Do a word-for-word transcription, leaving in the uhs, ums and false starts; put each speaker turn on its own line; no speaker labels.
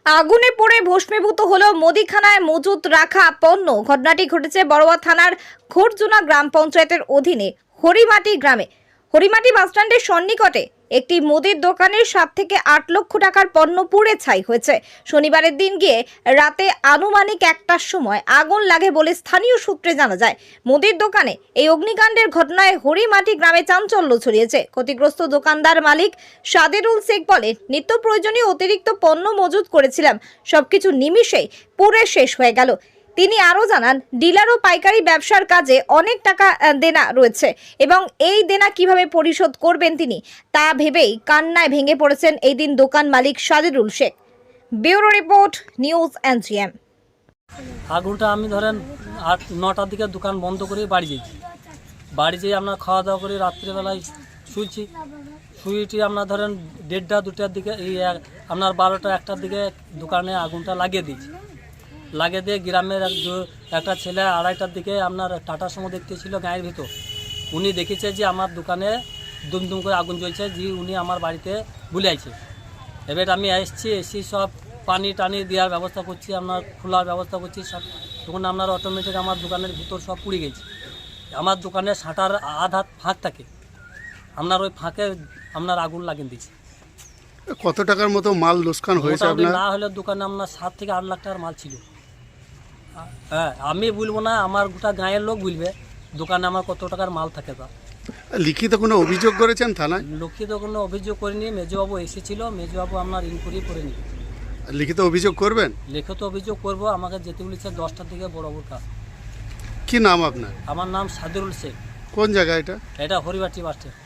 আগুনে পড়ে ভস্মীভূত হলো মুদিখানায় মজুত রাখা পণ্য। ঘটনাটি ঘটেছে বড়ুয়া থানার খোরজুনা গ্রাম পঞ্চায়েতের অধীনে হরিমাটি গ্রামে। হরিমাটি বাসস্ট্যান্ডের সন্নিকটে একটি মুদির দোকানের সাত থেকে আট লক্ষ টাকার পণ্য পুড়ে ছাই হয়েছে। শনিবারের দিন গিয়ে রাতে আনুমানিক একটার সময় আগুন লাগে বলে স্থানীয় সূত্রে জানা যায়। মুদির দোকানে এই অগ্নিকাণ্ডের ঘটনায় হরিমাটি গ্রামে চাঞ্চল্য ছড়িয়েছে। ক্ষতিগ্রস্ত দোকানদার মালিক সাদেরুল শেখ বলেন, নিত্য প্রয়োজনীয় অতিরিক্ত পণ্য মজুত করেছিলাম, সবকিছু নিমিষেই পুড়ে শেষ হয়ে গেল। তিনি আরও জানান, ডিলার ও পাইকারি ব্যবসার কাজে অনেক টাকা দেনা রয়েছে এবং এই দেনা কিভাবে পরিশোধ করবেন তিনি তা ভেবেই কান্নায় ভেঙে পড়েছেন এই দিন দোকান মালিক Saderul Sheikh. Bureau report, news NGM.
আগুনটা আমি ধরেন আট নটার দিকে দোকান বন্ধ করে বাড়ি যেয়েছি। বাড়ি যেয়ে আমরা খাওয়া দাওয়া করে রাত্রিবেলায় শুয়েছি। শুয়েছি আপনার ধরেন দেড়টা দুটার দিকে এই আপনার বারোটা একটার দিকে দোকানে আগুনটা লাগিয়ে দিয়েছি। লাগিয়ে দিয়ে গ্রামের এক একটা ছেলে আড়াইটার দিকে আপনার টাটা সুমো দেখতেছিল গায়ের ভিতর। উনি দেখেছে যে আমার দোকানে দুমদুম করে আগুন জ্বলছে, যে উনি আমার বাড়িতে বুলাইছে। এবার আমি এসছি, এসি সব পানি টানি দেওয়ার ব্যবস্থা করছি, আপনার খোলার ব্যবস্থা করছি সব। তখন আপনার অটোমেটিক আমার দোকানের ভিতর সব পুড়ে গেছে। আমার দোকানে শাটার আধ হাত ফাঁক থাকে, আপনার ওই ফাঁকে আপনার আগুন লাগিয়ে দিচ্ছে।
কত টাকার মতো মাল লোকসান হয়েছে আপনার?
না হলে দোকানে আপনার সাত থেকে আট লাখ টাকার মাল ছিল। হ্যাঁ, আমি বলবো না, আমার গোটা গাঁয়ের লোক বলবে দোকানে আমার কত টাকার মাল থাকে। তা
লিখিত কোনো অভিযোগ করেছেন থানায়?
লিখিত কোনো অভিযোগ করিনি। মেজবাবু এসেছিল, মেজবাবু আপনার ইনকোয়ারি করে নি।
লিখিত অভিযোগ করবেন?
লিখিত অভিযোগ করব, আমাকে যেতে বলেছে দশটার দিকে বরাবর কাজ।
কি নাম আপনার?
আমার নাম সাদেরুল শেখ।
কোন জায়গা এটা?
এটা হরিবাটি বাস স্ট্যান্ড।